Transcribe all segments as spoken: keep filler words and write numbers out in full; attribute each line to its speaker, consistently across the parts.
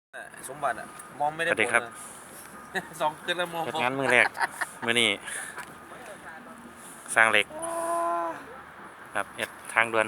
Speaker 1: สมบัติอ่ะมองไม่ได้
Speaker 2: สวัสดีครับ
Speaker 1: สองคืนแล้วมอง
Speaker 2: เฮ็ดงานมือแรกมื้อนี้สร้างเหล็กครับเฮ็ดทางด่วน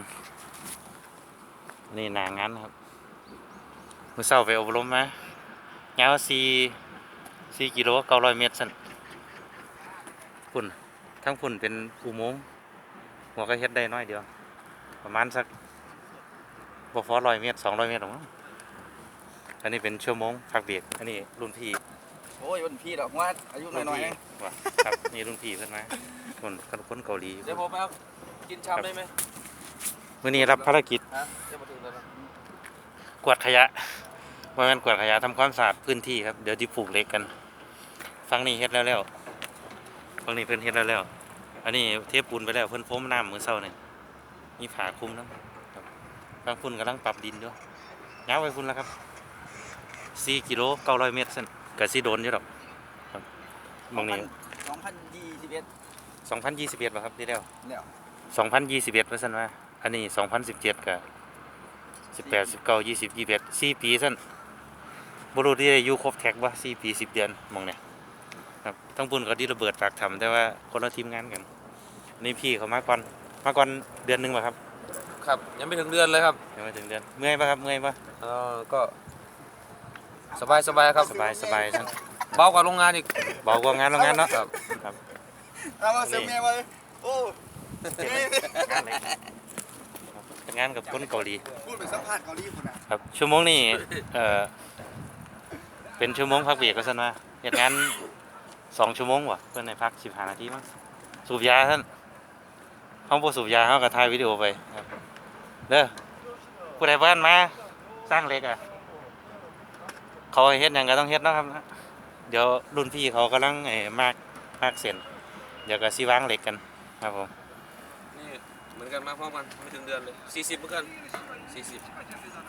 Speaker 2: นี่หน้างานครับมื้อเช้าไปอบรมมายาวสี่ สี่กิโลเก้าร้อยเมตรซั่นพุ่นทั้งพุ่นเป็นอุโมงค์หัวก็เฮ็ดได้น้อยเดียวประมาณสักบ่พอร้อยเมตรสองร้อยเมตรหรอกมั้งอันนี้เป็นชั่วโมงพักเบรกอันนี้รุ่นพี่
Speaker 3: โอ้ยวันพี่ดอกว่าอายุน้อยๆเอง
Speaker 2: ว่ะครับนี่รุ่นพี่เพิ่นมาคนคนเกาหลี
Speaker 1: เดี๋ยวผมไปเอากินชามได้ไหม
Speaker 2: มื้อนี้รับภารกิจ
Speaker 1: ฮะเดี๋ยวมาถึงแล้วนะ
Speaker 2: กวาดขยะว่ามันกวาดขยะทำความสะอาดพื้นที่ครับเดี๋ยวที่ปลูกเหล็กกันฝั่งนี้เฮ็ดแล้วแล้วฝั่งนี้เพิ่นเฮ็ดแล้วแล้วอันนี้เทปูนไปแล้วเพิ่นพรมน้ำมื้อเช้านี่มีผ้าคลุมนำครับบางพุ่นกำลังปรับดินอยู่ยาวไปพุ่นแล้วครับสี่กิโลเก้าร้อยเมตรซั่นก็สิโดนอยู่ดอกครับหมองนี้
Speaker 3: สองพันยี่สิบเอ็ด
Speaker 2: สองพันยี่สิบเอ็ดบ่ครับที่แล้ว
Speaker 3: แล้ว
Speaker 2: สองพันยี่สิบเอ็ดว่าซั่นว่าอันนี้สองพันสิบเจ็ดก็สิบแปด สิบเก้า ยี่สิบ ยี่สิบเอ็ด สี่ปีซั่นบ่รู้ที่ได้อยู่ครบแท็กบ่สี่ปีสิบเดือนหม่องเนี้ยครับทั้งปุ่นก็ที่ระเบิดปากถ้ำแต่ว่าคนละทีมงานกันนี่พี่เขามาก่อนมาก่อนเดือนหนึงบ่ครับ
Speaker 1: ครับยังไม่ถึงเดือนเลยครับ
Speaker 2: ยังไม่ถึงเดือนเมื่อยป่ะครับเมื่อยป่ะ
Speaker 1: เออก็สบายสบายครับ
Speaker 2: สบายสบายซั่น
Speaker 1: เบากว่าโรงงานอีก
Speaker 2: เบากว่างานโรงงานเนาะ
Speaker 1: ครับ
Speaker 2: ครับ
Speaker 3: เอามาเสริมแม่มาเลยโอ้
Speaker 2: เป็นงานกับคนเกาหลี
Speaker 3: พูดเป็นสัมภาษณ์เกาหลีคนน่ะ
Speaker 2: ครับชั่วโมงนี้เอ่อเป็นชั่วโมงพักเบรกก็ซั่นว่าเฮ็ดงานสองชั่วโมงว่ะเพิ่นให้พักสิบห้านาทีมั้งสูบยาท่านเฮาบ่สูบยาเฮาก็ถ่ายวิดีโอไปครับเด้อผู้ใดบ้านมาสร้างเหล็กอ่ะเขาให้เฮ็ดหยังก็ต้องเฮ็ดเนาะครับนะเดี๋ยวรุ่นพี่เขากำลังไอ้มากมากเส้นเดี๋ยวก็สิวางเหล็กกันครับผม
Speaker 1: นี่เหมือนกันมาพร้อมกันไม่ถึงเดือนเลยสี่สิบเหมือนกันสี่สิบ